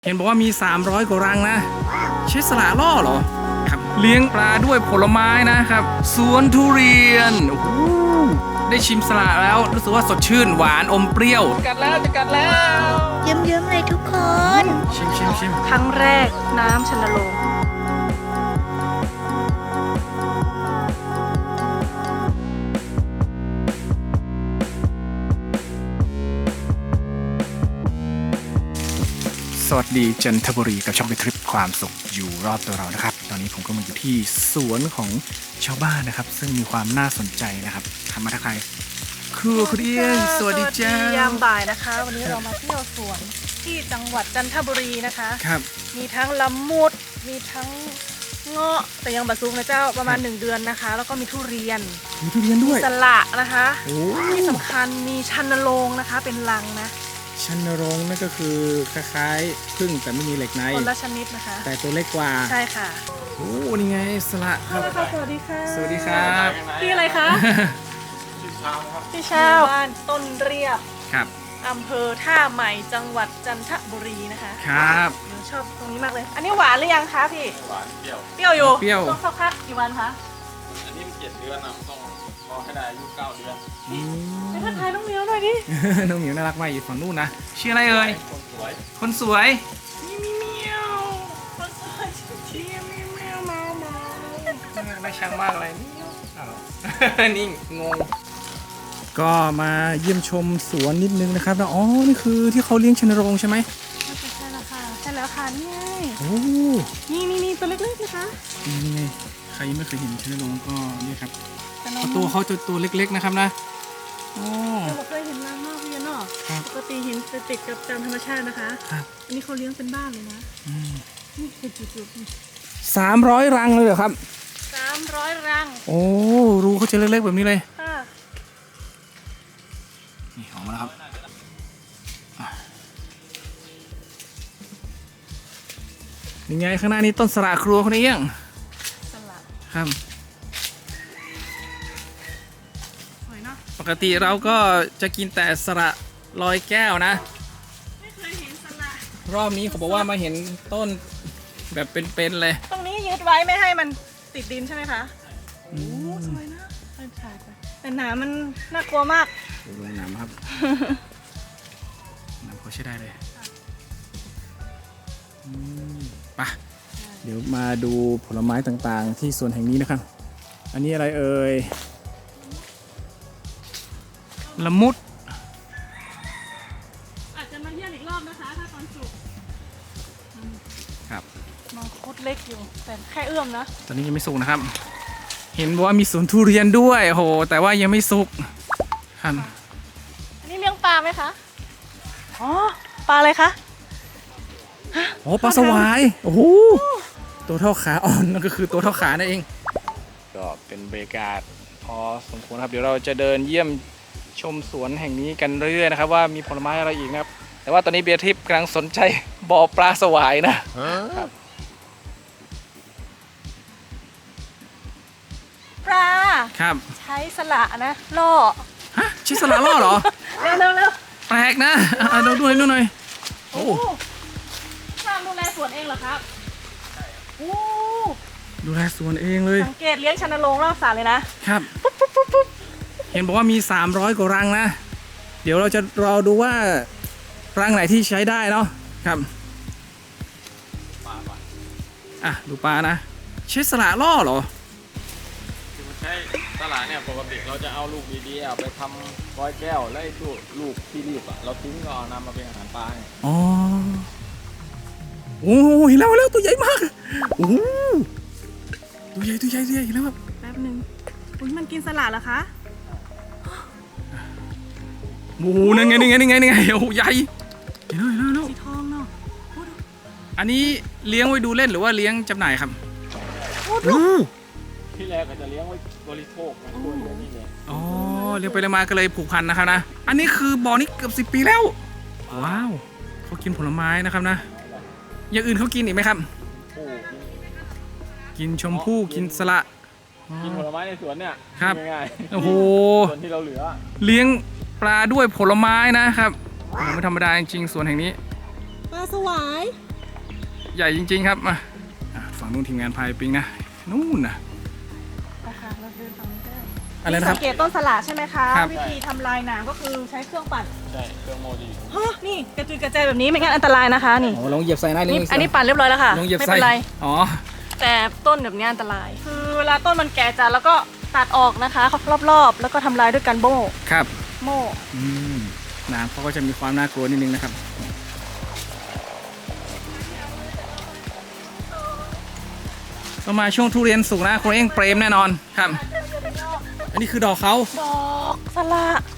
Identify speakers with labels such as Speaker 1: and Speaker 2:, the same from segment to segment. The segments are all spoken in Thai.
Speaker 1: เห็นบอกว่ามี300กว่ารังนะใช้สละล่อเหรอครับเลี้ยงปลาด้วยผลไม้นะครับสวนทุเรียนโอ้โหได้ชิมสละแล้วรู้สึกว่าสดชื่นหวานอมเปรี้ยวกัดแล้วจะกัดแล้ว
Speaker 2: เยิ้มๆเลยทุกคน
Speaker 1: ชิม
Speaker 3: ครั้งแรกน้ำชันโรง
Speaker 1: สวัสดีจันทบุรีกับช่องไปทริปความสุขอยู่รอบตัวเรานะครับตอนนี้ผมก็มาอยู่ที่สวนของชาวบ้านนะครับซึ่งมีความน่าสนใจนะครับทำมาทักทายครัวคุณเอี้ยงสวัสดีจ้าย
Speaker 3: ามบ่ายนะคะวันนี้เรามาเที่ยวสวนที่จังหวัดจันทบุรีนะคะ
Speaker 1: ครับ
Speaker 3: มีทั้งละมุดมีทั้งเงาะแต่ยังบะซุกนะเจ้าประมาณ1 เดือนนะคะแล้วก็มีทุเรียน
Speaker 1: ด้วย
Speaker 3: สละนะคะที่สำ
Speaker 1: โอ้
Speaker 3: คัญมีชันโรงนะคะเป็นรังนะ
Speaker 1: ชันโรงนั่นก็คือคล้ายๆพึ่งแต่ไม่มีเหล็กใน
Speaker 3: คนละชนิดนะคะ
Speaker 1: แต่ตัวเล็กกว่า
Speaker 3: ใช่ค่ะ
Speaker 1: โอ้นี่ไงสละครับ
Speaker 3: สวัสดีค่ะ
Speaker 1: สวัสดีครับ
Speaker 3: พี่อะไรคะพี่ชาวบ้านต้นเรียบ
Speaker 1: ครับ
Speaker 3: อำเภอท่าใหม่จังหวัดจันทบุรีนะคะ
Speaker 1: ครับ
Speaker 3: ชอบตรงนี้มากเลยอันนี้หวานหรือยังคะพี่
Speaker 4: หวานเปรี้ยว
Speaker 3: อยู่
Speaker 1: เปรี้ยว
Speaker 3: ต้องสักพักกี่วันคะ
Speaker 4: อันนี้มัน7 เดือนนะต้องรอให้ได้อายุ9 เดือน
Speaker 3: ไปทักทายน้องเหมียวหน่อยดิ
Speaker 1: น้องเหมียวน่ารักมากอยู่ฝั่งนู้นนะชื่ออะไรเอ่ย
Speaker 4: คนสวย
Speaker 1: คนสวย
Speaker 3: มีเหมียวคนสวยชี้มีเหมียวมา
Speaker 1: น่าช่างมากเลยนี่งงก็มาเยี่ยมชมสวนนิดนึงนะครับแล้วอ๋อนี่คือที่เขาเลี้ยงชันโรงใช่ไหม
Speaker 3: ใช่แล้วค่ะใช่แล้วค่ะนี่ไง
Speaker 1: โอ้
Speaker 3: นี่ตัวเล็กๆนะคะ
Speaker 1: นี่ไงใครยังไม่เคยเห็นชันโรงก็นี่ครับตัวเขาจะตัวเล็กๆนะครับนะโอ้
Speaker 3: เราเคยเห็นรังนอกเรียนเนาะปกติเห็นจะติดกับตามธรรมชาตินะคะอันนี้เขาเลี้ยงเป็นบ้านเลยนะนี่เป็นจุด
Speaker 1: ๆ300 รังเลยเหรอครับ
Speaker 3: 300 รัง
Speaker 1: โอ้รูเขาจะเล็กๆแบบนี้เลย
Speaker 3: ค่ะ
Speaker 1: นี่ออกมาแล้วครับนี่ไงข้างหน้านี้ต้นสละครัวคนนี้ยัง
Speaker 3: สละ
Speaker 1: ครับ
Speaker 3: สวยเนาะ
Speaker 1: ปกติเราก็จะกินแต่สละลอยแก้วนะ
Speaker 3: ไม่เคยเห็นสละ
Speaker 1: รอบนี้เขาบอกว่ามาเห็นต้นแบบเป็นๆเลย
Speaker 3: ตรงนี้ยึดไว้ไม่ให้มันติดดินใช่ไหมคะโอ้สวยนะถ่ายไปแต่หนามมันน่ากลัวมาก
Speaker 1: ดูลงน้ำครับน้ำเขาใช้ได้เลยไปเดี๋ยวมาดูผลไม้ต่างๆที่สวนแห่งนี้นะครับอันนี้อะไรเอ่ยละมุด
Speaker 3: อาจจะมาเยี่ยมอีกรอบนะคะถ้าตอนสุก
Speaker 1: ครับ
Speaker 3: มังคุดเล็กอยู่แต่แค่เอื้อมนะ
Speaker 1: ตอนนี้ยังไม่สุกนะครับเห็นว่ามีสวนทุเรียนด้วยโอ้โหแต่ว่ายังไม่สุกครับ
Speaker 3: อันนี้เลี้ยงปลาไหมคะอ๋อปลาอะไรคะ
Speaker 1: โอ้ปลาสวายโอ้โหตัวเท่าขาอ่อนนั่นก็คือตัวเท่าขานั่นเองก็เป็นบรรยากาศพอสมควรครับเดี๋ยวเราจะเดินเยี่ยมชมสวนแห่งนี้กันเรื่อยๆนะครับว่ามีผลไม้อะไรอีกนะครับแต่ว่าตอนนี้เบียร์ทิพย์กำลังสนใจบ่อปลาสวายนะครับ
Speaker 3: ปลา
Speaker 1: ครับ
Speaker 3: ใช้สละนะล่อ
Speaker 1: ฮะใช้สละล่อเหรอ
Speaker 3: เร็ว
Speaker 1: แปลกนะดูหน่อย
Speaker 3: โอ้ช่างดูแลสวนเองเหรอครับโอ้
Speaker 1: ดูแลสวนเองเลย
Speaker 3: สังเกตเลี้ยงชันโรงรอบสระเลยนะครับ
Speaker 1: เห็นบอกว่ามี300กว่ารังนะเดี๋ยวเราจะรอดูว่ารังไหนที่ใช้ได้เนาะครับดูปลานะใช้สละล่อเหรอ
Speaker 4: ใช่ตลาดเนี่ยปกติเราจะเอาลูกดีๆไปทำร้อยแก้วแล้วไอ้ตัวลูกที่รีบเราทิ้งก็เอานำมาเป็นอาหารปลา
Speaker 1: อ๋อโอ้เห็นแล้วตัวใหญ่มากโอ้ตัวใหญ่เห็นแล้วครับ
Speaker 3: แป๊บนึงอุ้ยมันกินสละเหรอคะ
Speaker 1: โอ้นั่นไงโอ้ใหญ่เห็นแล้ว
Speaker 3: สีทองเนาะ
Speaker 1: อันนี้เลี้ยงไว้ดูเล่นหรือว่าเลี้ยงจำหน่ายครับ
Speaker 4: ที่แรกก็จะเลี้ยงไว้บริโภคนะตัวเลี้ยงนี่เลย
Speaker 1: อ๋อเลี้ยงไปเลยมาก็เลยผูกพันนะครับนะอันนี้คือบ่อนี้เกือบ10 ปีแล้วว้าวเขากินผลไม้นะครับนะอย่างอื่นเขากินอีกไหมครับกินชมพู่กินสละ
Speaker 4: กินผลไม้ในสวนเนี่ย
Speaker 1: ครับ
Speaker 4: ง่าย
Speaker 1: โอ้โห
Speaker 4: ส่วนที่เราเหลือ
Speaker 1: เลี้ยงปลาด้วยผลไม้นะครับไม่ธรรมดาจริงๆสวนแห่งนี้
Speaker 3: ปลาสวาย
Speaker 1: ใหญ่จริงๆครับมาฝั่งนู้นทีมงานพายปิงนะนู่นนะ
Speaker 3: นะคะเราเดินฝั่งนี้ได้
Speaker 1: อะไรนะครับ
Speaker 3: สังเกตต้นสละใช่ไหมคะ
Speaker 1: ครับ
Speaker 3: วิธีทำลายหนามก็คือใช้เครื่องปั่น
Speaker 4: ใช่เครื่องโมดี
Speaker 3: ฮะนี่กระจุยกระจายแบบนี้ไม่งั้นอันตรายนะคะนี่
Speaker 1: โอ้ลองเหยียบใส่ได้เลย
Speaker 3: อันนี้ปั่นเรียบร้อยแล้วค่ะ
Speaker 1: ลองเหยียบ
Speaker 3: ไม่
Speaker 1: ใส่
Speaker 3: เป็นไร
Speaker 1: อ๋อ
Speaker 3: แต่ต้นแบบนี้อันตราย คือเวลาต้นมันแก่จัดแล้วก็ตัดออกนะคะรอบๆแล้วก็ทำลายด้วยกันโม่
Speaker 1: ครับ
Speaker 3: โม่
Speaker 1: น้ำเขาก็จะมีความน่ากลัวนิดนึงนะครับก็มาช่วงทุเรียนสุกนะคุณเอ้งเปรมแน่นอนครับ อันนี้คือดอกเขา
Speaker 3: ดอกสละ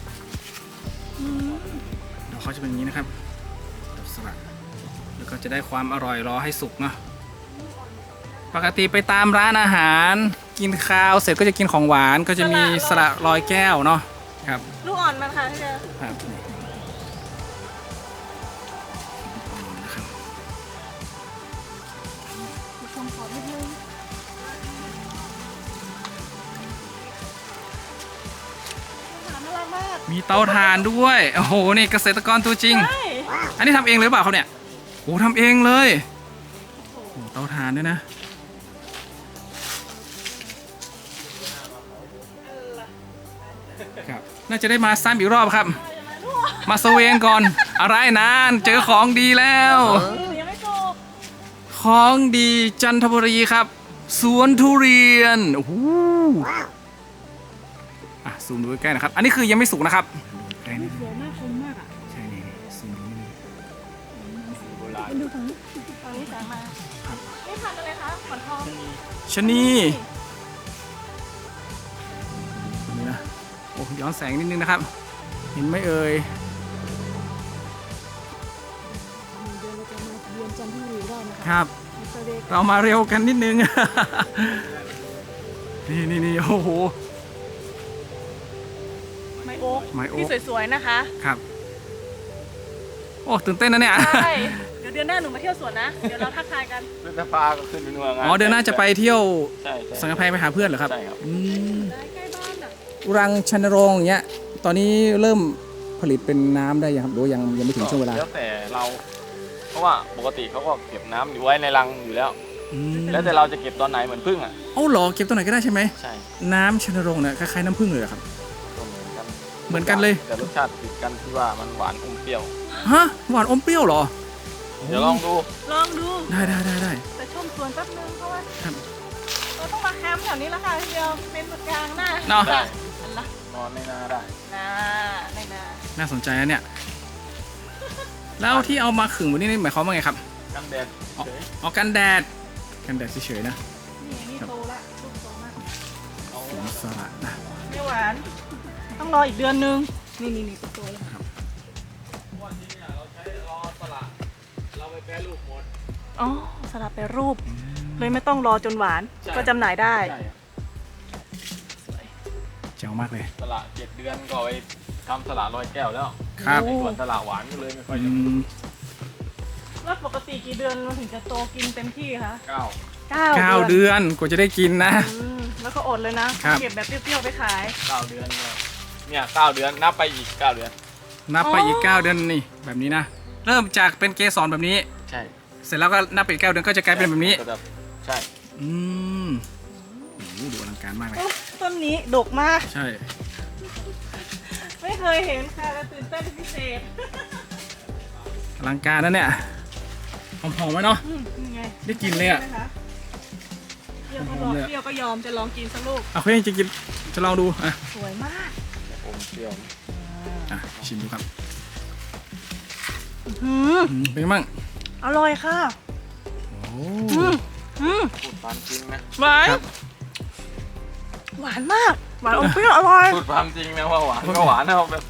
Speaker 1: ดอกเขาจะเป็นอย่างนี้นะครับดอกสลัดแล้วก็จะได้ความอร่อยรอให้สุกเนาะปกติไปตามร้านอาหารกินข้าวเสร็จก็จะกินของหวานก็จะมีสละลอยแก้วเนาะครับ
Speaker 3: ลูกอ่อนมันค่ะที่เจอ
Speaker 1: ครับนี่นะครับ
Speaker 3: ชมขอนิดนึงน่ารักมาก
Speaker 1: มีเตาถ่านด้วยโอ้โหนี่เกษตรกรตัวจริง
Speaker 3: ใช่
Speaker 1: อันนี้ทำเองเลยหรือเปล่าเขาเนี่ยโอ้ทำเองเลยโอ้เตาถ่านด้วยนะครับน่าจะได้มาซ้ำอีกรอบครับ มาสเวงก่อนอะไรนานเจอของดีแล้ว
Speaker 3: ยังไม่จบ
Speaker 1: ของดีจันทบุรีครับ สวนทุเรียนโอ้โหซูมดูใกล้ๆนะครับ อันนี้คือยังไม่สุกนะครับใกล้นิดนึง
Speaker 3: สวยมากคมมากอ่ะ
Speaker 1: ใช่นี่ซูมดูนิดนึง
Speaker 4: โบราณ
Speaker 3: ดูฝั่งนี้แสงมานี่พันธุ์อะไรคะขอนทอง
Speaker 1: ชะนีนี่นะโอ้ย้อนแสงนิดนึงนะครับ เห็นไหมเอ่ย
Speaker 3: เดือนเราจะมาเรียนจันทบุรีได้นะคะ
Speaker 1: ครับ เรามาเร็วกันนิดนึง นี่โอ้โห
Speaker 3: ไมโอ๊ก
Speaker 1: ไม้โอ๊ค
Speaker 3: ที่สวยๆนะคะ
Speaker 1: ครับ โอ้ตื่นเต้นนะเนี่ย
Speaker 3: ใช่เดี๋ยวเดือนหน้าหนูมาเที่ยวสวนนะ เดี๋ยวเราทักทายกัน
Speaker 4: พฤษภาก็ขึ้นเป็นเมือง
Speaker 1: อ๋อเดือนหน้าจะไปเที่ยว
Speaker 4: ใช่
Speaker 1: สังกะไพไปหาเพื่อนเหรอครับ
Speaker 4: ใช่ครับ
Speaker 1: อืม
Speaker 3: ได้ใกล้บ้านอ่ะ
Speaker 1: รังชันโรงอย่างเงี้ย ตอนนี้เริ่มผลิตเป็นน้ำได้ยังครับหรือว่ายังไม่ถึงช่วงเวลา
Speaker 4: แล้วแต่เรา เพราะว่าปกติเขาก็เก็บน้ำอยู่ไว้ในรังอยู่แล้ว
Speaker 1: อืม
Speaker 4: แล้วแต่เราจะเก็บตอนไหนเหมือนพึ่งอ่ะ
Speaker 1: เอ้าเหรอเก็บตัวไหนก็ได้ใช่ไหม
Speaker 4: ใช่
Speaker 1: น้ำชันโรงเนี่ยคล้ายๆน้ำผึ้งเลยเหรอครับ
Speaker 4: ก็เหมือนกัน
Speaker 1: เหมือนกันเลย
Speaker 4: แต่รสชาติติดกันที่ว่ามันหวานอมเปรี้ยว
Speaker 1: ฮะหวานอมเปรี้ยวเหรอ
Speaker 4: เดี๋ยวลองดู
Speaker 3: ลองดู
Speaker 1: ได้
Speaker 3: แต่ชมสวนแป๊บนึงเพราะว่า
Speaker 1: ครับ
Speaker 3: เราต้องมาแคมป์แถวนี้แล้วค่ะทีเดียวเป็นจุดกลางหน้า
Speaker 1: เนาะ
Speaker 4: ได้
Speaker 3: อันละ
Speaker 4: นอนในนาได้
Speaker 3: นาในนา
Speaker 1: น่าสนใจนะเนี่ย แล้วที่เอามาขึงวันนี้นี่หมายความว่าไงครับ
Speaker 4: กันแดดเฉย
Speaker 1: อ๋อกันแดดเฉยๆนะ
Speaker 3: นี่โตละลูกโตมาก
Speaker 4: เอา
Speaker 1: สวนสลัดนะ
Speaker 3: ไม่หวาน ต้องรออีกเดือนนึง นี่โตแล้ว
Speaker 4: วันนี้เนี่ยเราใช้รอสละเราไปแปรรูปหมด
Speaker 3: อ๋อสลับแปรรูป เลยไม่ต้องรอจนหวาน
Speaker 4: ใช่
Speaker 3: ก็จำหน่ายได้
Speaker 4: ใช่ครับ
Speaker 1: เจ๋วมากเลย
Speaker 4: สละ7 เดือนก็ไปทำสละลอยแก้วแล้ว
Speaker 1: ครับ
Speaker 3: โอ้
Speaker 4: ส่วนสละหวานก็เลยไม่ค่อย
Speaker 1: อื
Speaker 4: จะ
Speaker 1: ม
Speaker 3: แล้วปกติกี่เดือนมันถึงจะโตกินเต็มที่คะ
Speaker 4: 9
Speaker 1: 9 เดือนกว่าจะได้กินนะ
Speaker 3: แล้วก็อดเลยนะครับ เก็บแบบเปรี้ยวๆไปขาย
Speaker 4: 9 เดือนเนี่ย9 เดือนนับไปอีก 9 เดือน
Speaker 1: นับไปอีก
Speaker 3: อ๋อ
Speaker 1: 9 เดือนนี่แบบนี้นะ เริ่มจากเป็นเกสรแบบนี้
Speaker 4: ใช่
Speaker 1: เสร็จแล้วก็นับไปอีก 9 เดือนก็จะกลายเป็นแบบนี้
Speaker 4: ก็จะใช่
Speaker 1: อืมโอ้โหดูอลังการมากเลย
Speaker 3: ต้นนี้ดกมาก
Speaker 1: ใช่
Speaker 3: ไม่เคยเห็นค่ะและตื่นเต้นเป็นพิเศษ
Speaker 1: อลังการนะเนี่ยหอมๆไหมเนาะ
Speaker 3: นี่ไง
Speaker 1: ได้กินเลยอะ
Speaker 3: ใช่ไหมคะเปรี้ยวก็ยอมจะลองกินสักลูก
Speaker 1: เอาเพื่อนจะกินจะลองดูอ่ะ
Speaker 3: สวยมาก
Speaker 4: อมเปรี้ยว
Speaker 1: ชิมดูครับ
Speaker 3: อืม
Speaker 1: เป็นไงบ้าง
Speaker 3: อร่อยค่ะ
Speaker 1: โอ้
Speaker 4: พูดความจริงนะ
Speaker 3: หวาน
Speaker 1: ครับ
Speaker 3: หวานมาก หวานอมเปรี้ยวอร่อย
Speaker 4: พูดความจริงนะว่าหวานก็หวานนะแบบ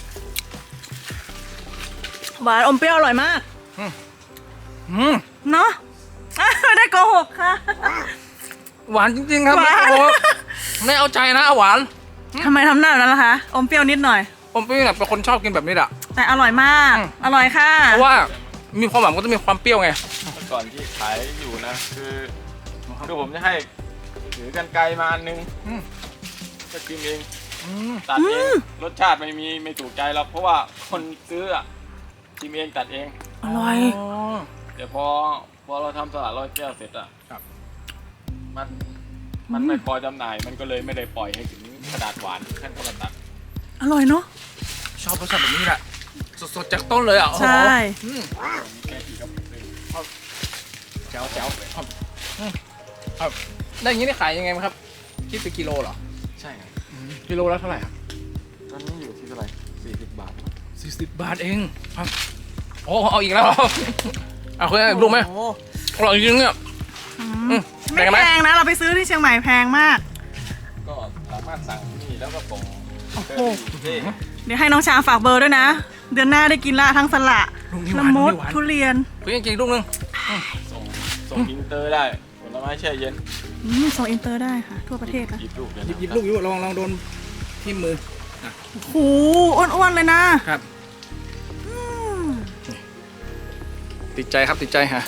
Speaker 3: หวานอมเปรี้ยวอร่อยมาก
Speaker 1: อืม
Speaker 3: เนาะไม่ได้โกหกค่ะ
Speaker 1: หวานจริงๆครับ
Speaker 3: หวาน
Speaker 1: โอ้โหไม่เอาใจนะหวาน
Speaker 3: ทำไมทำหน้าแบบนั้นล่ะคะ อมเปรี้ยวนิดหน่อย
Speaker 1: ผมเป็นแบบเป็นคนชอบกินแบบนี้แหละ
Speaker 3: แต่อร่อยมาก อร่อยค่ะ
Speaker 1: เพราะว่ามีความหวานก็ต้องมีความเปรี้ยวไง
Speaker 4: เมื่อก่อนที่ขายอยู่นะคือผมจะให้ถือกันไกลมาอันนึง
Speaker 1: อืม
Speaker 4: จะกินเอง
Speaker 1: อืม
Speaker 4: ตัดเองรสชาติไม่ถูกใจหรอกเพราะว่าคนซื้ออะชิมเองตัดเอง
Speaker 3: อร่อย
Speaker 1: อ๋อ
Speaker 4: แต่พอพอเราทำสลัดร้อยแก้วเสร็จอ่ะ
Speaker 1: ครับ
Speaker 4: มันไม่พอจำหน่ายมันก็เลยไม่ได้ปล่อยให้ถึงกระดาษหวานขั้นกระตัด
Speaker 3: อร่อยเนาะ
Speaker 1: ชอบรสชาติแบบนี้แหละสดๆจากต้นเลยอ่ะโอ้โห
Speaker 3: ใช่
Speaker 1: อืม
Speaker 4: แค่กี่กระปุกเลย
Speaker 1: แจ๋วแจ๋วครับครับได้อย่างนี้ได้ขายยังไงมั้งครับคิดเป็นกิโลเหรอ
Speaker 4: ใช่ครับ
Speaker 1: กิโลละเท่าไหร่ครับ
Speaker 4: ตอนนี้อยู่ที่เท่าไหร่40 บาท
Speaker 1: 40 บาทเองครับโอ้เอาอีกแล้วเอาคุณรู้ไหม
Speaker 3: โอ้โห
Speaker 1: อร่อยจริงๆเนี่ย
Speaker 3: ไม่
Speaker 1: แพงไหม
Speaker 3: แพงนะ เราไปซื้อที่เชียงใหม่แพงมาก
Speaker 4: ก็สามารถสั่งนี่แล้วก็ส่ง
Speaker 3: โอ้โห
Speaker 4: เฮ้ย
Speaker 3: เดี๋ยวให้น้องชาฝากเบอร์ด้วยนะ เดือนหน้าได้กินละทั้งสละ
Speaker 1: ลูกนี้ห
Speaker 3: ละ
Speaker 1: วาน
Speaker 3: มุ
Speaker 1: ลู
Speaker 3: ด
Speaker 1: กนี้หวาน
Speaker 3: ทุเรียน
Speaker 1: เฮ้ยจริงๆลูกนึง
Speaker 4: ส่งอินเตอร์ได้ผลไม้แช่เย็น
Speaker 3: ส่งอินเตอร์ได้ค่ะ ทั่วประเทศนะ
Speaker 4: หยิบลูกเดี๋ยว
Speaker 1: หยิบลูกอยู่ลองโดนที่มือ
Speaker 3: โอ้โหอ้วนๆเลยนะครับ อืม
Speaker 1: ติดใจครับติดใจฮะ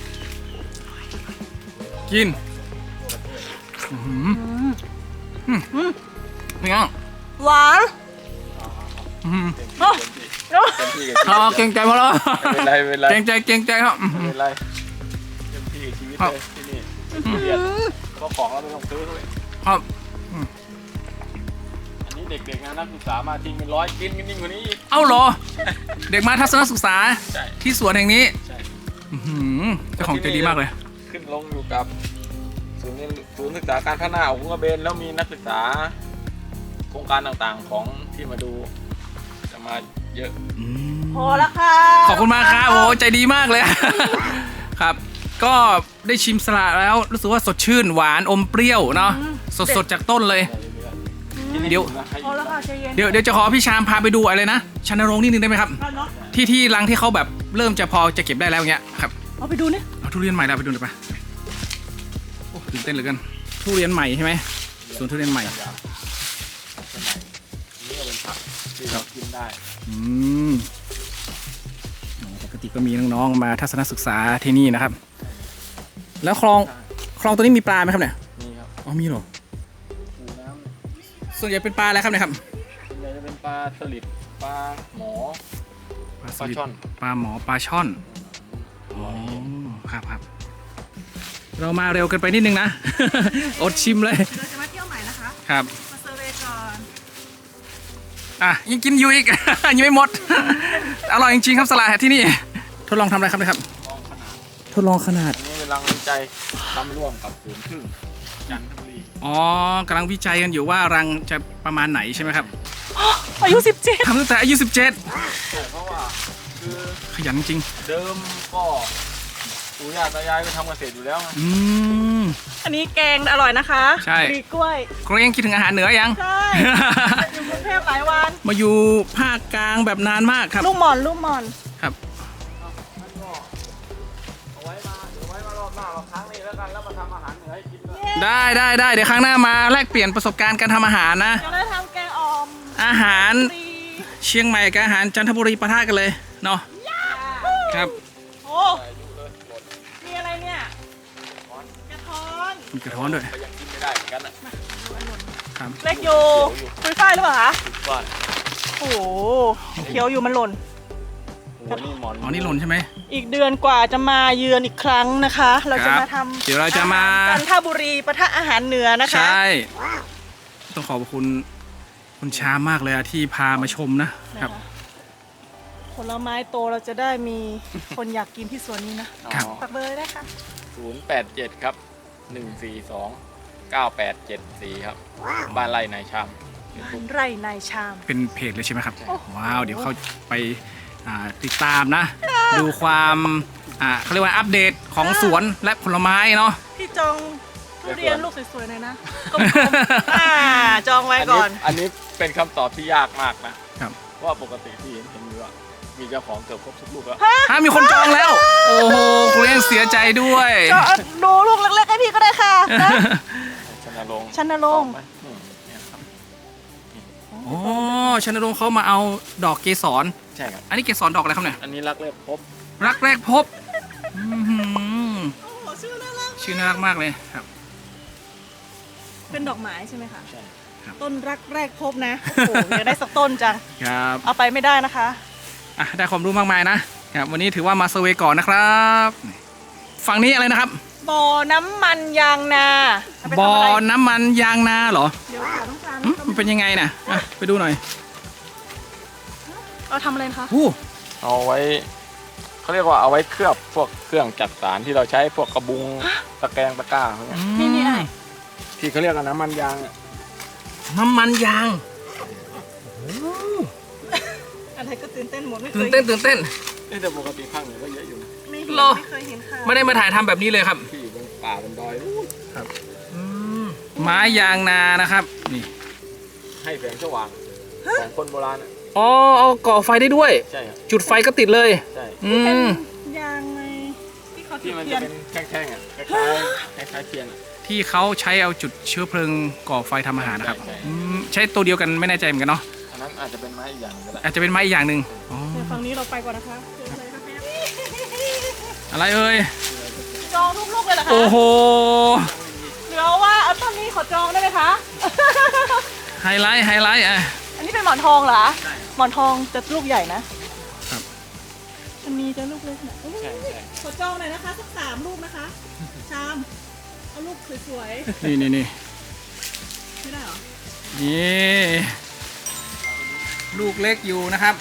Speaker 1: กินอื้อหือเป็นไง
Speaker 3: หวาน
Speaker 1: อื้อหือ
Speaker 3: โอ้
Speaker 4: เต็มที่กับ
Speaker 1: อ๋อเกรงใจพอแล้ว
Speaker 4: ไม่เป็นไรไม่เป็นไร
Speaker 1: เกรงใจครับอื้อ
Speaker 4: ไม่
Speaker 1: หือ
Speaker 4: เป็นไรเต็มที่กับชีวิตเลยที่นี่ไม่เครียดเพราะของเราไม่ต้องซื้อด้วย
Speaker 1: ครับ
Speaker 4: อันนี้เด็กๆนะนักศึกษามาทิ้งเป็นร้อยกินกันยิ่งกว่านี้อีก
Speaker 1: เอ้าเหรอ เด็กมาทัศนศึกษา
Speaker 4: ใช่
Speaker 1: ที่สวนแห่งนี้
Speaker 4: ใช่
Speaker 1: อื้อหือเจ้าของใจดีมากเลย
Speaker 4: ขึ้นลงอยู่กับศูนย์ศึกษาการพัฒนาของกระเบนแล้วมีนักศึกษา โครงการต่างๆของที่มาดูจะมาเยอะ
Speaker 3: พอแล้วค่ะ
Speaker 1: ขอบคุณมากครับโอ้ใจดีมากเลย ครับ ก็ได้ชิมสละแล้วรู้สึกว่าสดชื่นหวานอมเปรี้ยวเนาะสดๆจากต้นเลย เดี๋ยว
Speaker 3: พอแล้วค่ะใจเย็น
Speaker 1: เดี๋ยวจะขอพี่ชามพาไปดูอะไรนะชันโรงค์นิดนึงได้ไหมครับ
Speaker 3: เอาเนาะ
Speaker 1: ที่รังที่เขาแบบเริ่มจะพอจะเก็บได้แล้วเงี้ยครับ
Speaker 3: เอาไปดูนี่
Speaker 1: เอาทุเรียนใหม่เราไปดูหน่อยปะโอ้ตื่นเต้นเหลือเกินทุเรียนใหม่ใช่ไหมสวนทุเรียนใหม่
Speaker 4: นี่ก็เป็นผักที่เรากินได้
Speaker 1: อืมโอ้ปกติก็มีน้องๆมาทัศนศึกษาที่นี่นะครับ แล้วคลองตัวนี้มีปลาไหมครับเนี่ย
Speaker 4: นี่ครับ
Speaker 1: อ๋อมีเหรอ
Speaker 4: ปูน้ำ
Speaker 1: ส่วนใหญ่เป็นปลาอะไรครับเนี่ยครับ
Speaker 4: ส่วนใหญ่จะเป็นปลาสลิดปลาหมอ
Speaker 1: สลิด
Speaker 4: ปลาช่อน
Speaker 1: ปลาหมอปลาช่อนอ๋อครับเรามาเร็วเกินไปนิดนึงนะ อดชิมเลย
Speaker 3: เราจะมาเที่ยวใหม่นะคะ
Speaker 1: ครับ
Speaker 3: มาเซอร์เวย์ก่อน
Speaker 1: อ่ะยังกินอยู่อีก ยังไม่หมด อร่อยจริงๆครับสลัดที่นี่ทดลองทำอะไรครับเนี่ยครับ
Speaker 4: ลองขนาด
Speaker 1: ทดลองขนาด
Speaker 4: อันนี้เป็นรังวิจัยทำร่วมกับศูนย์พึ่งจันทบุรี
Speaker 1: อ๋อกำลังวิจัยกันอยู่ว่ารังจะประมาณไหนใช่ไหมครับ
Speaker 3: อายุ17
Speaker 1: ทำตั้งแต่อายุ 17
Speaker 4: ใช่เพราะว่าคือ
Speaker 1: ขยันจริง
Speaker 4: เดิมก็ปู่ย่าตายายก็ทำเกษตรอยู่แล้วไง
Speaker 1: อืม
Speaker 3: อันนี้แกงอร่อยนะคะ
Speaker 1: ใช่
Speaker 3: มีกล้วย
Speaker 1: เกรงคิดถึงอาหารเหนือยัง
Speaker 3: ใช่ อยู่กรุงเทพหลายวัน
Speaker 1: มาอยู่ภาคกลางแบบนานมากครับ
Speaker 3: ลูกหม่อนลูกหม่อน
Speaker 1: ครับ
Speaker 4: แล้วก็เอาไว้มาเดี๋ยวไว้มารอบหน้าเราครั้งนี้แล้วกันแล้วมาทำอาหารเหนือให้กินด้วย
Speaker 1: ได้เดี๋ยวครั้งหน้ามาแลกเปลี่ยนประสบการณ์การทำอาหารนะ
Speaker 3: จะได้ทำแกงอ่อม
Speaker 1: อาหาร
Speaker 3: ตี
Speaker 1: เชียงใหม่กับอาหารจันทบุรีปะทะกันเลยเนาะครับ
Speaker 3: โอ้
Speaker 4: อายุเลยหมด
Speaker 3: มีอะไรเนี่ย กระท้อน
Speaker 1: มีกระท้อนด้วย
Speaker 4: ก็ยังกินไม่ได้เหมือนกันอ่ะ
Speaker 1: ครับ
Speaker 3: เล็กอยู่คุยฝ้ายหรือเปล่าคะ
Speaker 4: คิดว่า
Speaker 3: โอ้โหเขียวอยู่มันหล่น
Speaker 4: โอ้โหนี่หมอน
Speaker 1: อ๋อนี่หล่นใช่ไหม
Speaker 3: อีกเดือนกว่าจะมาเยือนอีกครั้งนะคะ เราจะมาทำ
Speaker 1: เดี๋ยวเราจะมา
Speaker 3: จันทบุรีปะทะอาหารเหนือนะคะ
Speaker 1: ใช่ ต้องขอบคุณคุณชามากเลยอะที่พามาชมนะครับ
Speaker 3: ผลไม้โตเราจะได้มีคนอยากกินที่สวนนี้นะครับ ฝากเบอร์ได้ค่ะ
Speaker 4: 087 ครับ 142 9874 ครับ บ้านไร่นายชาม
Speaker 3: ไร่นายชาม
Speaker 1: เป็นเพจเลยใช่ไหมครับ
Speaker 3: โอ้โห
Speaker 1: ว้าว เดี๋ยวเขาไปติดตามนะ ดูความเขาเรียกว่าอัปเดตของสวนและผลไม้เนาะ
Speaker 3: พี่จองทุเรียนลูกสวยๆหน่อยนะกลมๆจองไว้ก่อน
Speaker 4: อันนี้เป็นคำตอบที่ยากมากนะครับ เพราะว่าปกติที่เห็นอยู่อะมีเจ้าของเกือบครบทุกลูกแล้ว
Speaker 1: ถ้ามีคนจองแล้ว โอ้โหคุณเองเสียใจด้วย
Speaker 3: จองดูลูกเล็กๆให้พี่ก็ได้ค่ะนะ
Speaker 4: ชนรงค์
Speaker 3: ชันรงค์
Speaker 4: ไหมเนี่ยครับ
Speaker 1: โอ้ชนรงค์เขามาเอาดอกเกสร
Speaker 4: ใช่ครับ
Speaker 1: อันนี้เกสรดอกอะไรครับเนี่ย
Speaker 4: อันนี้รักเล็บพบ
Speaker 1: รักแรกพบอื้อหือ
Speaker 3: โอ้โหชื่อน่ารัก
Speaker 1: ชื่อน่ารักมากเลยครับ
Speaker 3: เป็นดอกไม้ใช่ไหมคะ
Speaker 4: ใช่
Speaker 3: ต้นรักแรกพบนะ โอ้โหอยากได้สักต้นจัง
Speaker 1: ครับ
Speaker 3: เอาไปไม่ได้นะคะ
Speaker 1: ได้ความรู้มากมายนะครับวันนี้ถือว่ามาเซอร์เวย์ก่อนนะครับฝั่งนี้อะไรนะครับ
Speaker 3: บ่อน้ำมันยางนาเาไปทำะไร
Speaker 1: บ่อน้ำมันยางนาเหรอ
Speaker 3: เดี๋ยวค่ะต้องการ
Speaker 1: มันเป็นยังไงน่ะอ่ะไปดูหน่อย
Speaker 3: เราทำอะไรนะคะ
Speaker 1: อู้
Speaker 4: เอาไว้เขาเรียกว่าเอาไว้เคลือบพวกเครื่องจักสานที่เราใช้พวกกระบุงตะแกรงตะกร้าพวกเนี้ย
Speaker 3: นี่ไง
Speaker 4: ที่เขาเรียกกันน้ำมันยางอะ
Speaker 1: น้ำมันยาง
Speaker 3: อะไรก็ตื่นเต้นหมดไม่เค
Speaker 1: ตื่
Speaker 3: ย
Speaker 1: นเต้นตื่นเต้น
Speaker 4: แต่ปกติภาคเหนือก็เยอะอยู่นะ
Speaker 3: ไม่เห็น
Speaker 1: เหรอ
Speaker 3: ไม่เคยเห็นค่ะ
Speaker 1: ไม่ได้มาถ่ายทำแบบนี้เลยครับ
Speaker 4: ที่อยู่บนป่าบนดอยนู่น
Speaker 1: ไม้ยางนานะครับนี่
Speaker 4: ให้แสงสว่างของคนโบราณอะ
Speaker 1: อ๋อเอาก่อไฟได้ด้วย
Speaker 4: ใช่ครับ
Speaker 1: จุดไฟก็ติดเลย
Speaker 4: ใช่
Speaker 1: อืม
Speaker 3: ยางไงที่เขาจุ
Speaker 4: ที่
Speaker 3: ด
Speaker 4: มัน
Speaker 3: เทีย
Speaker 4: จะ
Speaker 3: น
Speaker 4: เป็นแท่งๆอ่ะคล้ายๆเทียนอะ
Speaker 1: ที่เขาใช้เอาจุดเชื้อเพลิงก่อไฟทำอาหารนะครับ
Speaker 4: ใช่
Speaker 1: ใช้ตัวเดียวกันไม่แน่ใจเหมือนกันเนาะ
Speaker 4: อันนั้นอาจจะเป็นไม้อีกอย่างก็ได้
Speaker 1: อาจจะเป็นไม้อีกอย่างหนึ่งอ๋อ
Speaker 3: เดี๋ยวฝั่งนี้เราไปก่อนนะคะเชิญเลยค่ะแม่
Speaker 1: อะไรเอ่ย
Speaker 3: จองลูกๆเลยเหรอคะ
Speaker 1: โอ้โห
Speaker 3: เหลือว่าเอาต้นนี้ขอจองได้ไหมคะ
Speaker 1: ไฮไลท์ไฮไลท์อ่ะ
Speaker 3: อันนี้เป็นหมอนทองเหรอหมอนทองจะลูกใหญ่นะครับ อันนี้จะลูกเล็กหน่อย
Speaker 4: ใช่ใช่
Speaker 3: ขอจองหน่อยนะคะสัก3 ลูกนะคะ ชามเอาลูกสวย
Speaker 1: นี่นี่นี่
Speaker 3: ๆไม่ได้เหรอ
Speaker 1: นี่ลูกเล็กอยู่นะครับ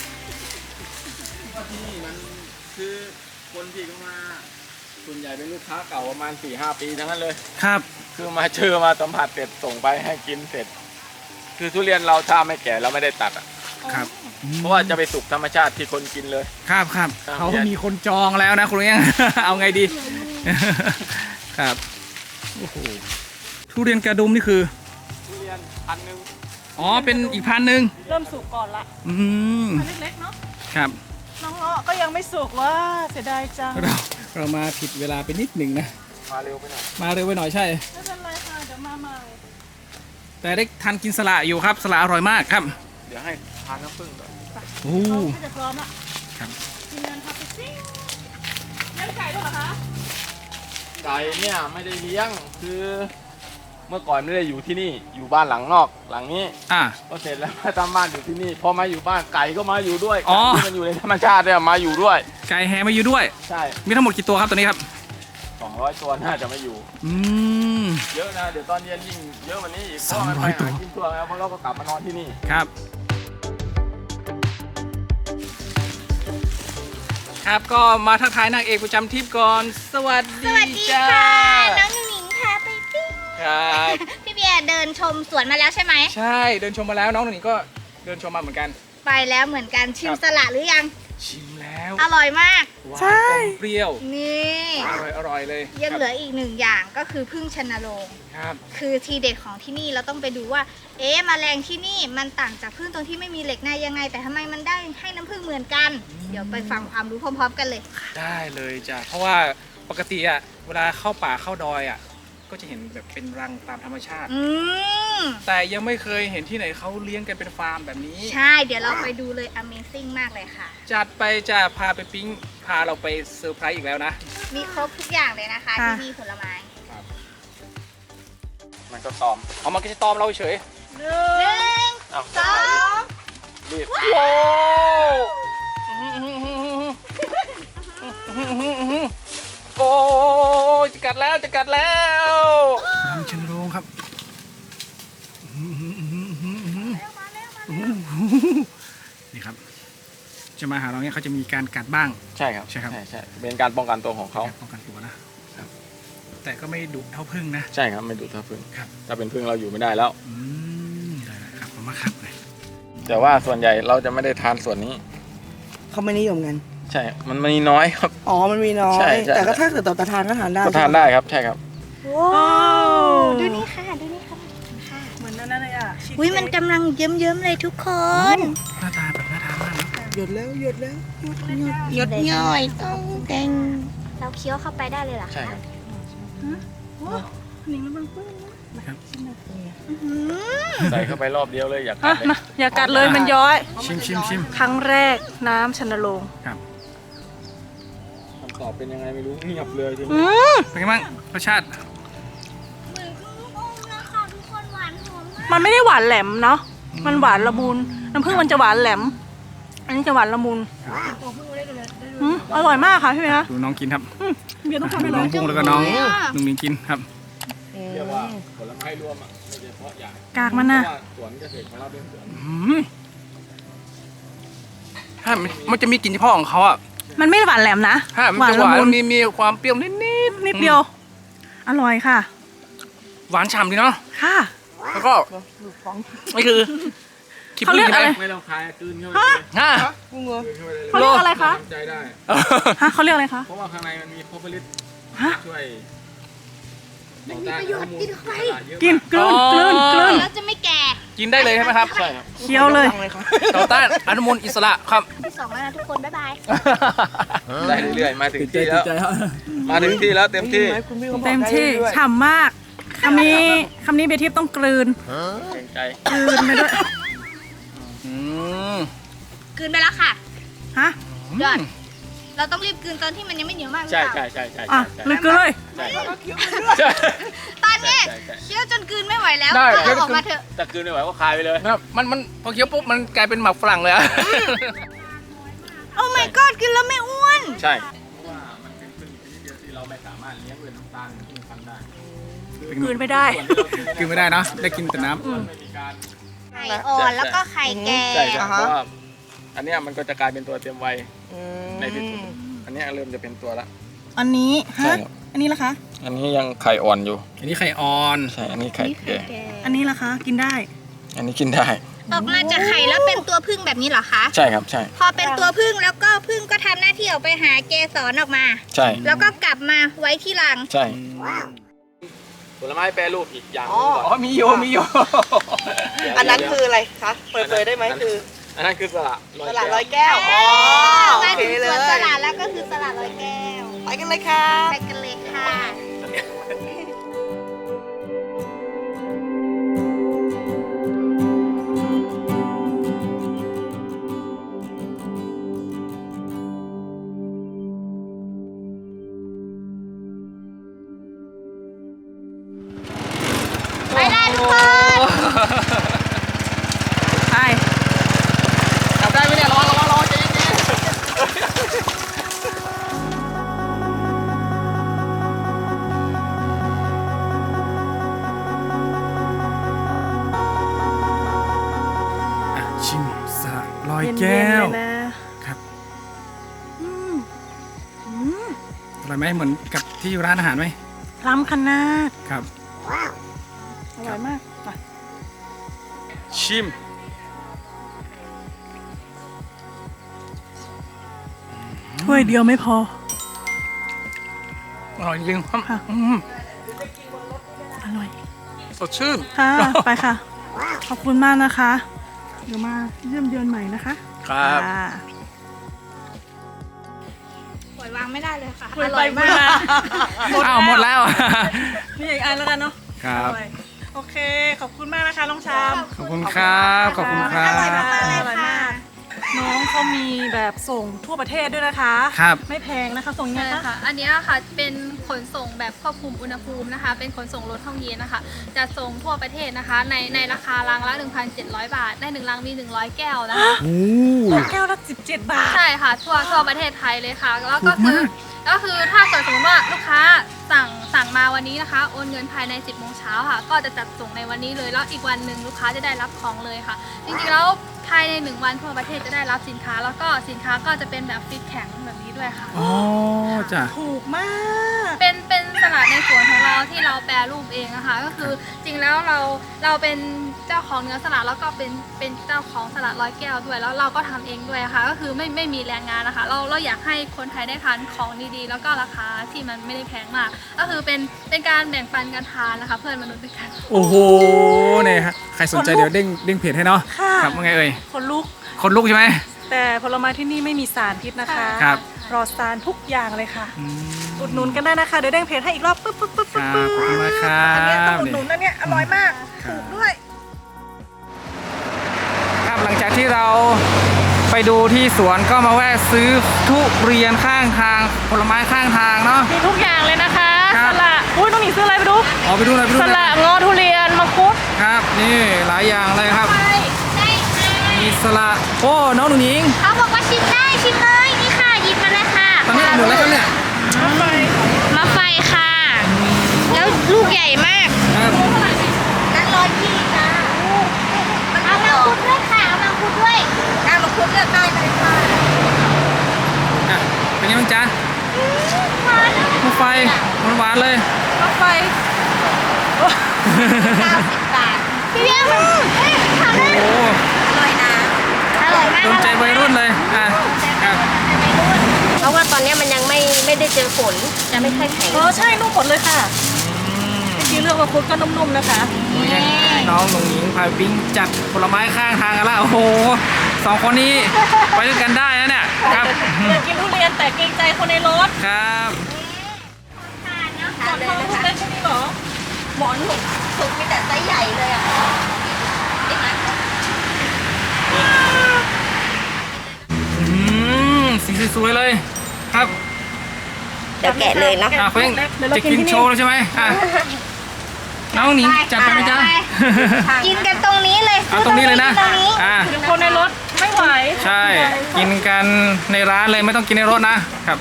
Speaker 4: ที่นี่มันคือคนที่เข้ามาส่วนใหญ่เป็นลูกค้าเก่าประมาณ 4-5 ปีทั้งนั้นเลย
Speaker 1: ครับ
Speaker 4: คือมาเจอมาสัมผัสเสร็จส่งไปให้กินเสร็จ คือทุเรียนเราถ้าไม่แก่เราไม่ได้ตัดอ่ะ
Speaker 1: ครับ
Speaker 4: เพราะว่าจะไปสุกธรรมชาติที่คนกินเลย
Speaker 1: ครับครับ
Speaker 4: ครับ
Speaker 1: เขามีคนจองแล้วนะคุณเลี้ยง เอาไงดี ครับโอ้โหทุเรียนกระดุมนี่คือ
Speaker 4: ทุเรียนพันหนึ่ง
Speaker 1: อ๋อเป็นอีกพันหนึ่ง
Speaker 3: เริ่มสุกก่อนละ
Speaker 1: อืม
Speaker 3: อันเล็กๆเนาะ
Speaker 1: ครับ
Speaker 3: น้องเงาะก็ยังไม่สุกว่าเสียดายจัง
Speaker 1: เรามาผิดเวลาไปนิดหนึ่งนะ
Speaker 4: มาเร็วไปหน่อย
Speaker 1: มาเร็วไปหน่อยใช่
Speaker 3: ไม่เป็นไรค่ะเดี๋ยวมาใหม่
Speaker 1: แต่ได้ทันกินสละอยู่ครับสละอร่อยมากครับ
Speaker 4: เดี๋ยวให้ทานน้ำผึ้งก่อน
Speaker 1: โอ้
Speaker 3: เราก็จะพร้อมละ
Speaker 1: ครับ
Speaker 3: ทีมงานครับไปซิ่งเลี้ยงไก่ด้วยเหรอคะ
Speaker 4: ไก่เนี่ยไม่ได้เลี้ยงคือเมื่อก่อนไม่ได้อยู่ที่นี่อยู่บ้านหลังนอกหลังนี้
Speaker 1: อ่ะ
Speaker 4: ก็เสร็จแล้วมาทำบ้านอยู่ที่นี่พอมาอยู่บ้านไก่ก็มาอยู่ด้วย
Speaker 1: อ๋อ
Speaker 4: ไก่ที่มันอยู่ในธรรมชาติเนี่ยมาอยู่ด้วย
Speaker 1: ไก่แฮมาอยู่ด้วย
Speaker 4: ใช่
Speaker 1: มีทั้งหมดกี่ตัวครับตัวนี้ครับ
Speaker 4: 200 ตัวน่าจะไม่อยู่
Speaker 1: อืม
Speaker 4: เยอะนะเดี๋ยวตอนเย็นยิ่งเยอะกว่านี้อีกเพราะมันไป
Speaker 1: 200ตัว
Speaker 4: หากินทั่วแล้วเพราะเราก็กลับมานอนที่นี่
Speaker 1: ครับ ครับก็มาทักทายนางเอกประจำทริปก่อน สวัสดี
Speaker 2: สวัสดี
Speaker 1: จ้า
Speaker 2: ค่ะ น้องหนูหนิงพาไปปิ้ง
Speaker 1: ครับ
Speaker 2: พี่เบียร์เดินชมสวนมาแล้วใช่ไหม
Speaker 1: ใช่เดินชมมาแล้วน้องหนูหนิงก็เดินชมมาเหมือนกัน
Speaker 2: ไปแล้วเหมือนกันชิม
Speaker 1: ครับ
Speaker 2: สละหรือยัง
Speaker 1: ชิมแล้ว
Speaker 2: อร่อยมาก
Speaker 1: หวานอมเปรี้ยว
Speaker 2: นี่
Speaker 1: อร่อยเลย
Speaker 2: ยังเหลืออีกหนึ่งอย่างก็คือพึ่งชนโรง
Speaker 1: ครับ
Speaker 2: คือทีเด็ดของที่นี่เราต้องไปดูว่า เอ๊ะแมลงที่นี่มันต่างจากพึ่งตรงที่ไม่มีเหล็กในยังไง แต่ทำไมมันได้ให้น้ำพึ่งเหมือนกัน เดี๋ยวไปฟังความรู้พร้อม ๆ กันเลย
Speaker 1: ได้เลยจ้ะเพราะว่าปกติอะเวลาเข้าป่าเข้าดอยอะก็จะเห็นแบบเป็นรังตามธรรมชาติ
Speaker 2: อืม
Speaker 1: แต่ยังไม่เคยเห็นที่ไหนเขาเลี้ยงกันเป็นฟาร์มแบบนี้
Speaker 2: ใช่ เดี๋ยวเราไปดูเลย Amazing มากเลยค่ะ
Speaker 1: จัดไปจะพาไปปิ้งพาเราไปเซอร์ไพรส์อีกแล้วนะ
Speaker 2: มีครบทุกอย่างเลยนะคะ
Speaker 3: ค่ะ
Speaker 2: ที่มีผลไม้
Speaker 4: มันก็ตอม
Speaker 1: เอามันก็จะตอมเราเฉย
Speaker 3: หนึ่
Speaker 2: ห
Speaker 3: ง
Speaker 2: นึ่ง
Speaker 4: เอา
Speaker 2: สอง
Speaker 4: รีบ
Speaker 1: โอ้โอ้จะกัดแล้วจะกัดแล้วรังชนโรงครับนี่ครับ จะมาหาเราเนี่ยเขาจะมีการกัดบ้าง
Speaker 4: ใช่ครับ
Speaker 1: ใช่ครับ
Speaker 4: ใช่เป็นการป้องกันตัวของเขา
Speaker 1: ป้องกันตัวนะครับ แต่ก็ไม่ดุเท่าพึ่งนะ
Speaker 4: ใช่ครับไม่ดูดถ้าพึ่ง
Speaker 1: ครับ
Speaker 4: ถ้าเป็นพึ่งเราอยู่ไม่ได้แล้ว
Speaker 1: ได้ครับขอบคุณมากครับ
Speaker 4: แต่ว่าส่วนใหญ่เราจะไม่ได้ทานส่วนนี้
Speaker 5: เขาไม่นิยมกัน
Speaker 4: ใช่ มันมีน้อยครับ
Speaker 5: อ๋อ มันมีน้อ
Speaker 4: ใช่
Speaker 5: ย
Speaker 4: ใช่
Speaker 5: แต่ก็ถ้าเกิดต่อทานก็ทานได้
Speaker 4: ก็ทานได้ครับ ใช่ครับ
Speaker 2: ว้าวดูนี่ค่ะ ดูนี่ค่ะ
Speaker 3: เหมือนนั่นเลยอ่ะชีส
Speaker 2: อุ้ยมัน
Speaker 3: เค้ก
Speaker 2: กำลังเยิ้มๆเลยทุกคน
Speaker 1: หน้าตาแบบน่าทานมากนะ
Speaker 5: หยดแล้วหยดแล้ว
Speaker 2: หยดย่อยต้องแดงเราเคี้ยวเข้าไปได้เลยเหรอคะ
Speaker 4: ใช่ครับ
Speaker 3: โอ้หนิงแล้วมันปื้นนะ
Speaker 2: อื้อหือ
Speaker 4: ใส่เข้าไปรอบเดียวเลยอยากกั
Speaker 3: อ่ะ
Speaker 4: ดเลย
Speaker 3: มาอย่ากัดเลยมันย้อย
Speaker 1: ชิม
Speaker 3: ครั้งแรกน้ำชนโรง
Speaker 1: ครับ
Speaker 4: คำตอบเป็นยังไงไม่รู้เงียบเลยที
Speaker 3: อื
Speaker 4: นี้
Speaker 3: ม
Speaker 1: เป็นไงบ้างรสชาติ
Speaker 2: เหมือนลูกอมนะคะทุกคนหวานหอมมาก
Speaker 3: มันไม่ได้หวานแหลมเนาะมันหวานละมุนน้ำผึ้งมันจะหวานแหลม อันนี้จะหวานละมุน
Speaker 1: ค
Speaker 3: อร่อยมากค่ะพี่เมย์คะ
Speaker 1: ดูน้องกินครับ
Speaker 3: เบียร์ต้องทำ
Speaker 1: ดู
Speaker 3: ให้
Speaker 1: น้
Speaker 3: น้
Speaker 1: อ
Speaker 3: อง ง
Speaker 1: บุ้งแล้วก็น้องลุงมิงกินครับ
Speaker 4: เรียกว่าผลไม้รวมอ่ะไม่ใช่เพราะใหญ่
Speaker 3: กากมันนะ
Speaker 4: เพราะว่าสวนเกษตรของเราเป็นสวน
Speaker 1: ถ้ามันจะมีกลิ่นเฉพาะของเขาอ่ะ
Speaker 3: มันไม่หวานแหลมนะ
Speaker 1: ถ้ามันจะหวาน
Speaker 3: ละมุน
Speaker 1: มีความเปรี้ยวนิด
Speaker 3: นิดเดียว อร่อยค่ะ
Speaker 1: หวานฉ่ำดีเนาะ
Speaker 3: ค่ะ
Speaker 1: แล้วก็นี่คือ
Speaker 3: เขาเรียกอะไร
Speaker 4: ไม่ต้องคายกลืนเข้าไปเลย
Speaker 1: ฮะ
Speaker 5: กุ้งเหรอ
Speaker 4: กลืนเข้าไปเลย
Speaker 3: เขาเรียกอะไรคะ
Speaker 4: ทำใจได้
Speaker 3: ฮะเขาเรียกอะไรคะ
Speaker 4: เพราะว่าข้างในมันมีโพลิลิส
Speaker 3: ฮะ
Speaker 4: ช่วย
Speaker 2: มันมีประโยชน์กินเข้าไป
Speaker 3: กินกลืนกลืนกลืน
Speaker 2: แล้วจะไม่แก่
Speaker 1: กินได้เลยใช่ไหมครับ
Speaker 4: ใช่ครับ
Speaker 3: เคี้ยวเลย
Speaker 1: ต่อต้านอนุมูลอิสระครับ
Speaker 2: ที่2แล้วนะทุกคน บ๊ายบาย
Speaker 4: ได้เรื่อยๆมาถึงที่แล้วมาถึงที่แล้วเต็มที่
Speaker 5: คุณพี่เขาบอก
Speaker 3: เต็มที่
Speaker 5: ได้ด้วย
Speaker 3: ฉ่ำมากคำนี้เบียร์ทิพย์ต้องกลืน
Speaker 4: เกรงใจ
Speaker 3: กลืนไปด้วย
Speaker 1: อืม
Speaker 2: กลืนไปแล้วค่ะ
Speaker 3: ฮะ
Speaker 2: ยอด เราต้องรีบกลืนตอนที่มันยังไม่เหนียวมากหรือ
Speaker 4: ใช่
Speaker 2: เปล่า
Speaker 4: ใช่ใช่ใช่
Speaker 3: อ่ะ
Speaker 4: ใช่
Speaker 3: เลยกลืนเลย
Speaker 4: ใช่
Speaker 2: ตอนนี้
Speaker 4: ใช่ใช่
Speaker 2: เคี้ยวจนกลืนไม่ไหวแล้ว
Speaker 1: ได้
Speaker 2: ก็เอาออกมาเถอะ
Speaker 4: แต่กลืนไม่ไหวก็คายไปเลย
Speaker 1: ครับมันพอเคี้ยวปุ๊บมันกลายเป็นหมักฝรั่งเลยอะ
Speaker 2: โอ้ my god กินแล้วไม่อ้วน
Speaker 4: ใช่เพราะว่ามันเป็นพืชชนิดเดียวที่เราไม่สามารถเลี้ยงด้วยน้ำตาลที่มันทำได้
Speaker 3: กลืนไม่ได้
Speaker 1: กินไม่ได้เนาะได้กินแต่น้ำ
Speaker 4: ไม่มีการ
Speaker 2: ไข่อ่อนแล้วก็ไข่แก่
Speaker 4: ใช่ครับเพราะว่าอันเนี้ยมันก็จะกลายเป็นตัวเต็มวัย
Speaker 5: อืม
Speaker 4: ในที่สุดอันเนี้ยเริ่มจะเป็นตัวละ
Speaker 3: อันนี้
Speaker 4: ใช่
Speaker 3: ฮะ
Speaker 4: ครับ
Speaker 3: อันนี้ล่ะคะ
Speaker 4: อันนี้ยังไข่อ่อนอยู่
Speaker 1: อันนี้ไข่อ่อน
Speaker 4: ใช่ อันนี้ไข่แก่
Speaker 3: อันนี้ล่ะคะ กินได้
Speaker 4: อันนี้กินได้
Speaker 2: ออกมาจากไข่แล้วเป็นตัวผึ้งแบบนี้เหรอคะ
Speaker 4: ใช่ครับ ใช่
Speaker 2: พอเป็นตัวผึ้งแล้วก็ผึ้งก็ทำหน้าที่ออกไปหาเกสรออกมา
Speaker 4: ใช่
Speaker 2: แล้วก็กลับมาไว้ที่รัง
Speaker 4: ใช่ผลไม้แปรรูปอีกอย่างหนึงก่อน
Speaker 1: อ๋อมีโย
Speaker 5: อันนั้นคืออะไรคะเปิดเผยได้ไหมคือ
Speaker 4: อันนั้นคือสละ
Speaker 5: ตลาดร้อยแก้ว อ๋อ
Speaker 2: มา
Speaker 5: โอเค
Speaker 2: ถึง
Speaker 5: เล
Speaker 2: สวนส
Speaker 5: ย
Speaker 2: ลัดแล้วก็คือสลัดร้อยแก้ว
Speaker 5: ไปกันเลยค่ะ
Speaker 2: ไปกันเลยค่ะ ไปได้ทุกคน
Speaker 3: ไป
Speaker 1: จับได้ไหมเนี่ยระวังใจเย็นชิมสละลอยแก้ว
Speaker 3: เย็นๆเลยนะครับ อืมอืม
Speaker 1: อร่อยไหมเหมือนกับที่ร้านอาหารไหม
Speaker 3: ล้ำขนาด
Speaker 1: ครับ
Speaker 3: อร่อยมากไป
Speaker 1: ชิม
Speaker 3: ถ้วยเดียวไม่พอ
Speaker 1: อร่อยจริงครับ
Speaker 3: ค่ะ อร่อย
Speaker 1: สดชื่น
Speaker 3: ค่ะ ไปค่ะ ขอบคุณมากนะคะ เดี๋ยวมาเยี่ยมเยือนใหม่นะคะ
Speaker 1: ครับ
Speaker 3: ะ
Speaker 2: ปล่อยวางไม่ได้เลยค่ะ
Speaker 3: คุย
Speaker 2: อ
Speaker 3: ไป
Speaker 2: ร่อย
Speaker 3: คุ
Speaker 2: มาย ก
Speaker 3: มา
Speaker 1: อ้าวหมดแล้ว
Speaker 3: มีอีกอันแล้วกันเนาะ
Speaker 1: ครับ
Speaker 3: ออยโอเค ขอบคุณมากนะคะน้องชาม
Speaker 1: ขอบคุณครับ ขอบคุณครั
Speaker 2: อร่อย
Speaker 1: บ
Speaker 2: มากๆเลย
Speaker 3: อร่อย
Speaker 2: ค่ะ
Speaker 3: มาก น้องเขามีแบบส่งทั่วประเทศด้วยนะคะ
Speaker 1: ครับ
Speaker 3: ไม่แพงนะคะ ส่งยังไง
Speaker 6: ใช่
Speaker 3: คะ
Speaker 6: ค่ะ อันเนี้ยค่ะเป็นขนส่งแบบควบคุมอุณหภูมินะคะ เป็นขนส่งรถห้องเย็นนะคะ จะส่งทั่วประเทศนะคะ ในราคาลังละ 1,700 บาท ได้1ลังมี 100 แก้วนะคะ
Speaker 3: แก้วละ17 บาท
Speaker 6: ใช่ค่ะ ทั่วประเทศไทยเลยค่ะ แล้วก็คือถ้าเกิดสมมติว่าลูกค้าสั่งมาวันนี้นะคะ โอนเงินภายใน 10 โมงเช้าค่ะ ก็จะจัดส่งในวันนี้เลย แล้วอีกวันหนึ่งลูกค้าจะได้รับของเลยค่ะ จริงๆแล้วภายใน1วันทั่วประเทศจะได้รับสินค้า แล้วก็สินค้าก็จะเป็นแบบฟิตแข็งแบบนี้ด้วยค่ะ
Speaker 1: อ๋อจ้ะ
Speaker 3: ถูกมาก
Speaker 6: เป็นสลัดในสวนของเราที่เราแปรรูปเองนะคะก็คือจริงแล้วเราเป็นเจ้าของเนื้อสลัดแล้วก็เป็นเจ้าของสลัดร้อยแก้วด้วยแล้วเราก็ทำเองด้วยค่ะก็คือไม่มีแรงงานนะคะเราอยากให้คนไทยได้ทานของดีๆแล้วก็ราคาที่มันไม่ได้แพงมาก ก็คือเป็นการแบ่งปันกันทานนะคะ เพื่อนมนุษย์ด้วยกัน
Speaker 1: โอ้โหเนี่ยฮะใครสนใจเดี๋ยวเด้งเพจให้เนาะ
Speaker 3: ค่ะ
Speaker 1: ครับว่าไงเอ่ย
Speaker 3: คนลุก
Speaker 1: คนลุกใช่ไหม
Speaker 3: แต่ผลไม้ที่นี่ไม่มีสารพิษนะคะ
Speaker 1: ครับ
Speaker 3: ปลอดสารทุกอย่างเลยค่ะ
Speaker 1: อืม
Speaker 3: อุดหนุนกันได้นะคะ เดี๋ยวเด้งเพจให้อีกรอบปึ๊บปึ๊บปึ๊บ
Speaker 1: ค
Speaker 3: ปึ๊บ
Speaker 1: รับขอบคุณมากครั
Speaker 3: อันเนี้ยต้อง
Speaker 1: บ
Speaker 3: อุดหนุนนะเนี่ยอร่อยมาก ถูกด้วย
Speaker 1: ครับหลังจากที่เราไปดูที่สวนก็มาแวะซื้อทุเรียนข้างทางผลไม้ข้างทางเนาะ
Speaker 3: มีทุกอย่างเลยนะคะ
Speaker 1: ครั
Speaker 3: ส
Speaker 1: บ
Speaker 3: ละอุ้ยน้องหนิงซื้ออะไรไปดู
Speaker 1: อ๋อไปดูหน่อยไปดู
Speaker 3: ส
Speaker 1: หน่
Speaker 3: ละ
Speaker 1: อย
Speaker 3: งอทุเรียนมังคุด
Speaker 1: ครับนี่หลายอย่างเลยครับ มีสละโอ้น้องหนูหญิง
Speaker 2: เขาบอกว่าชิมได้ชิมเลยนี่ค่ะหยิบมาเลยค่ะ
Speaker 1: นุนแล้วครับเนี่ย
Speaker 2: มะไฟค่ะ แล้วลูกใหญ่มาก
Speaker 1: ครับ
Speaker 2: นั่น120จ้าเอามังคุดด้วยค่ะเอามังคุดด้วยเอามังคุดเลือกได้เลยค่ะ
Speaker 1: อ่ะเป็นไงบ้างจ๊ะมะไฟหวานๆเลย
Speaker 3: รถไฟ
Speaker 2: 90 บาทพี่เบี้ยทำได้
Speaker 1: โอ้
Speaker 2: อร่อยนะอร่อยมาก
Speaker 1: โดนใจวัยรุ่นเลยอ่ะครับ
Speaker 7: เพราะว่าตอนนี้มันยังไม่ได้เจอฝนจะไม่ค่อยแข็ง
Speaker 3: ใช่นุ่มหมดเลยค่ะจริงๆเรื่องมังคุดก็นุ่มๆนะคะ
Speaker 1: น้องหนุ่งหญิงพาปิ้งจัดผลไม้ข้างทางกันละโอ้โหสองคนนี้ไปด้วยกันได้นะเนี่ยครับ
Speaker 3: อยากกินทุเรียนแต่เกรงใจคนในรถ
Speaker 1: ครับ
Speaker 3: หมอนทองทุเรียนใช่ไหมหรอ
Speaker 7: หมอนหนุกสุกมีแต่ไซส์ใหญ่เลยอ่ะ
Speaker 1: สีสวยๆเลยครับ
Speaker 7: เดี๋ยวแกะเลยเนาะ
Speaker 1: เพิ่งจะกินโชว์แล้วใช่ไหมน้องหนิงจัดไปไหมจ๊ะ
Speaker 2: กินกันตรงนี้เลย
Speaker 1: เอาตรงนี้เลยนะ
Speaker 2: ตรงนี้
Speaker 3: คนในรถไม่ไหว
Speaker 1: ใช่กินกันในร้านเลยไม่ต้องกินในรถนะครับ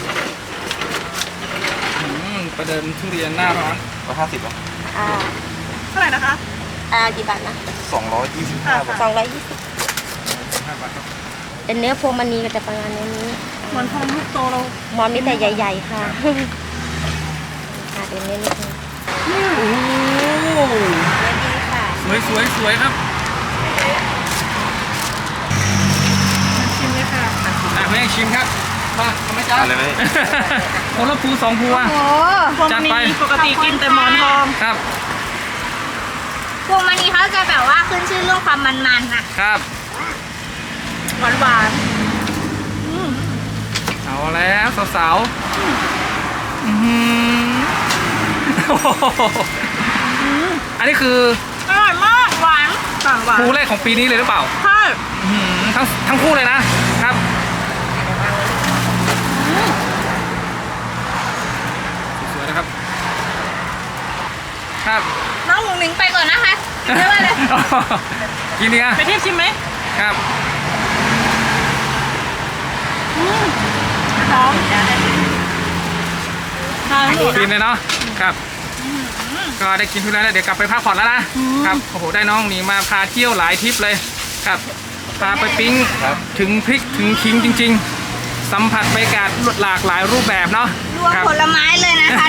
Speaker 1: ประเดิมทุเรียนหน้าร้อน
Speaker 4: 150 อ่ะ
Speaker 3: เท่าไหร่นะคะ
Speaker 7: กี่บาทนะ
Speaker 4: 225 บาท
Speaker 7: 220เป็นเนื้อพวงมณีก็จะประมาณนี้
Speaker 3: หมอนทองลูกโตเรา
Speaker 7: หมอนมีแต่ใหญ่ ๆ ค่ะเดี๋ยวนี้นิดนึง
Speaker 1: โอ้โห
Speaker 7: เนื้อดีค่ะ
Speaker 1: สวยครับ
Speaker 3: ชิมเลยค่ะ
Speaker 1: เพื่อนชิมครับมาทำไหมจ๊ะ
Speaker 4: อะไรไหม
Speaker 1: คนละภูสองภูอ่ะ
Speaker 2: โอ้
Speaker 3: พวง
Speaker 1: จัด
Speaker 3: ม
Speaker 1: ไป
Speaker 3: ณีปกติกินแต่หมอนทอง
Speaker 1: ครับ
Speaker 2: พวงมณีเขาจะแบบว่าขึ้นชื่อเรื่องความมันๆน่ะ
Speaker 1: ครับ
Speaker 3: หวาน
Speaker 1: เอาแล้วสาวๆโอ้โหอันนี้คือ
Speaker 3: ๆอร่อยมากหวานต่างหวาน
Speaker 1: ภูแรกของปีนี้เลยหรือเปล่า
Speaker 3: ใช่
Speaker 1: ทั้งคู่เลยนะครับสวยๆนะครับครับ
Speaker 2: น้องหมูหนิงไปก่อนนะคะเรียกว่าอะไร
Speaker 1: กินดีอ่ะ
Speaker 3: ไปเทียบชิมไหม
Speaker 1: ครับ
Speaker 3: หอมทานหมด
Speaker 1: กินเลยเนาะครับ ก็ได้กินทุเรียนแล้วเดี๋ยวกลับไปพักผ่อนแล้วนะครับโอ้โหได้น้องหนีมาพาเที่ยวหลายทริปเลยครับพาไปปิ้งถึงพริกถึงขิงจริง ๆ สัมผัสบรรยากาศหลากหลายรูปแบบเนาะ
Speaker 2: รวม
Speaker 1: ครับ
Speaker 2: ผลไม้เลยนะคะ